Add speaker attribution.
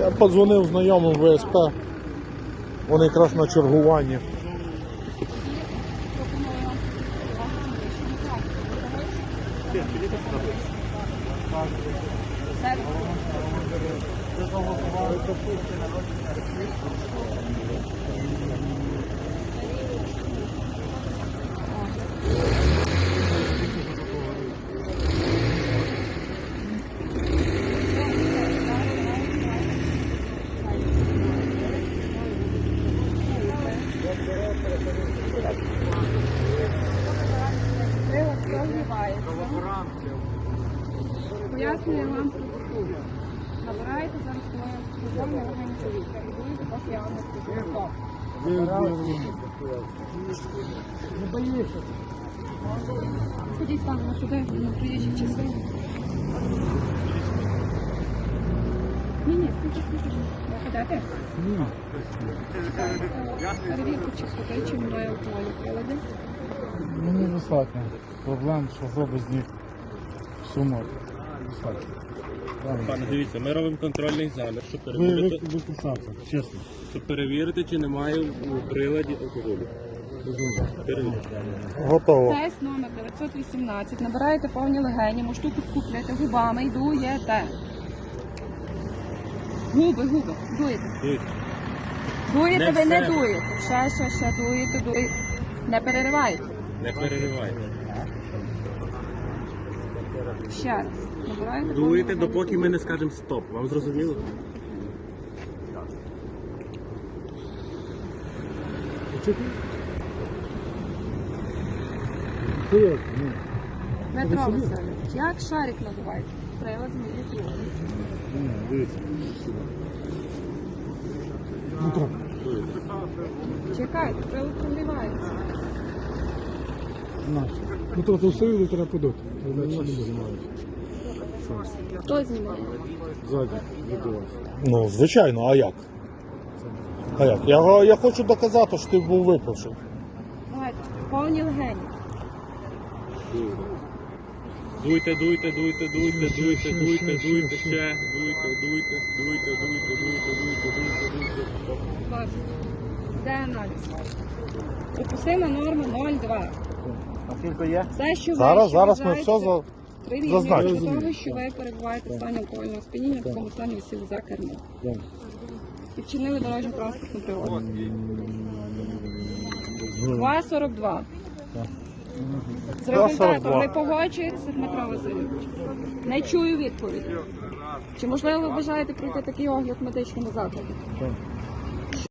Speaker 1: Я подзвонив знайомим в ВСП, вони якраз на чергуванні.
Speaker 2: Пояснюю вам процедуру. Набираєте зараз телефонний орган чоловіка і будете поки я вам не скажу. Не боїшся. Ходіть станемо сюди, на приїжджій частині. Ні, стійте. Не ходите? Ні. Перевірку чистоти, чи немає алкоголю в приладі.
Speaker 3: Мені достатньо. Проблем, що зробить з них сумок.
Speaker 4: Пане, дивіться, ми робимо контрольний замір, щоб перевірити,
Speaker 3: Чесно.
Speaker 4: щоб перевірити, чи немає у приладі алкоголю.
Speaker 1: Готово.
Speaker 2: Тест номер 918. Набираєте повні легені, штуку купляєте губами і дуєте. Губи, дуєте. Дуєте, ви не дуєте. Ще, дуєте. Не переривайте.
Speaker 4: Не переривайте.
Speaker 2: Ще раз. Набираєте
Speaker 4: Дуєте,
Speaker 2: повні
Speaker 4: допоки
Speaker 2: легені.
Speaker 4: ми не скажемо стоп. Вам зрозуміло?
Speaker 2: Дмитро Васильович, як шарик надуваєте? Прилад змінює.
Speaker 3: Дивіться.
Speaker 2: Чекайте, прилад прогрівається.
Speaker 3: Ну то усилили, треба подати.
Speaker 2: Хто знімає?
Speaker 3: Ззаді, від вас.
Speaker 1: Ну, звичайно, а як? А як? Я хочу доказати, що ти був випивший.
Speaker 2: Давайте, повні легені.
Speaker 4: Дуйте, ще. Дуйте.
Speaker 2: Бачите. Де аналіз? Допустима норма 0,2.
Speaker 3: А скільки є?
Speaker 2: Все, що
Speaker 1: Зараз ми все зазначимо.
Speaker 2: До того, що ви перебуваєте в стані алкогольного сп'яніння, в такому стані ви сіли за кермо. І вчинили дорожню транспортну пригоду. 2,42. З результатом не погоджується Дмитро Васильович. Не чую відповіді. Чи можливо ви бажаєте пройти такий огляд в медичному закладі?